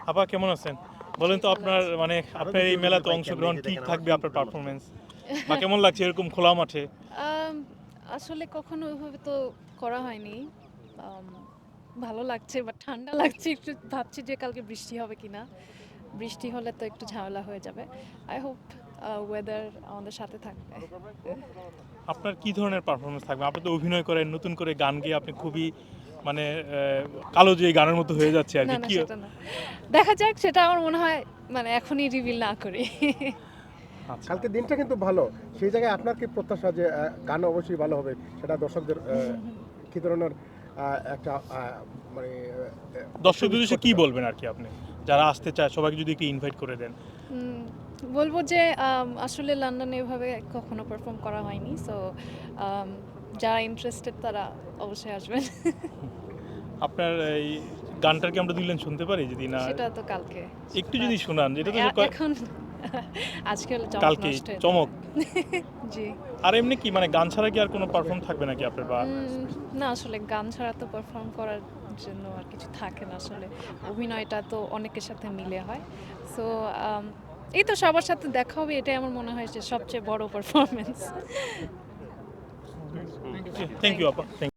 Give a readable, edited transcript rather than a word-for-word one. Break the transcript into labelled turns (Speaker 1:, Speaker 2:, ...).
Speaker 1: আপা কেমন আছেন? বলেন তো আপনার মানে আপনার এই মেলাতে অংশগ্রহণ কি থাকবে আপনার পারফরম্যান্স? বা কেমন লাগছে এরকম খোলা মাঠে?
Speaker 2: আম আসলে কখনো ওইভাবে তো করা হয়নি। আম ভালো লাগছে বাট ঠান্ডা লাগছে। একটু ভাবছি যে কালকে বৃষ্টি হবে কিনা। বৃষ্টি হলে তো একটু ঝামেলা হয়ে যাবে। আই হোপ ওয়েদার আমাদের সাথে থাকবে।
Speaker 1: আপনার কি ধরনের পারফরম্যান্স থাকবে? আপনি তো অভিনয় করেন, নতুন করে গান গেয়ে আপনি খুবই মানে কালো যে গানের মতো হয়ে যাচ্ছে
Speaker 2: না,
Speaker 1: আরকি।
Speaker 2: না
Speaker 1: কি
Speaker 2: সেটা না। দেখা যাক সেটা আমার মনে হয় মানে এখনই রিভিল না করি।
Speaker 1: আচ্ছা।
Speaker 3: কালকে দিনটা কিন্তু ভালো। সেই জায়গায় আপনার কি প্রত্যাশা যে গান অবশ্যই ভালো হবে? সেটা দর্শকদের কি ধরনের একটা মানে
Speaker 1: দর্শকদের
Speaker 3: অপটিমিস্ট
Speaker 1: উদ্দেশ্যে
Speaker 3: করতে
Speaker 1: কি
Speaker 3: চান?
Speaker 1: বলবেন আরকি আপনি? যারা আসতে চায় সবাইকে যদি একটু ইনভাইট করে দেন।
Speaker 2: উম বলবো যে আসলে লন্ডনে এভাবে কখনো পারফর্ম করা হয়নি। সো যারা ইন্টারেস্টেড তারা অবশ্যই আসবেন।
Speaker 1: আপনার এই গানটার কি আমরা ২ লাইন শুনতে পারি যদি না
Speaker 2: সেটা তো কালকে।
Speaker 1: একটু
Speaker 2: বাট
Speaker 1: যদি শোনান এটা তো যে
Speaker 2: এখন আজকে হলে চমক
Speaker 1: কালকেই
Speaker 2: নষ্ট হয়ে যাবে।
Speaker 1: চমক।
Speaker 2: জি।
Speaker 1: আর এমনি কি মানে গান ছাড়া কি আর কোনো পারফর্ম থাকবে নাকি আপনার বা
Speaker 2: না আসলে গান ছাড়া তো পারফর্ম করার জন্য আর কিছু থাকে না আসলে। অভিনয়টা তো অনেকের সাথে মিলে হয়। সো এই তো সবার সাথে দেখা হবে এটাই আমার মনে হয় যে সবচেয়ে বড় পারফরম্যান্স।
Speaker 1: থ্যাংক ইউ আপা। থ্যাংক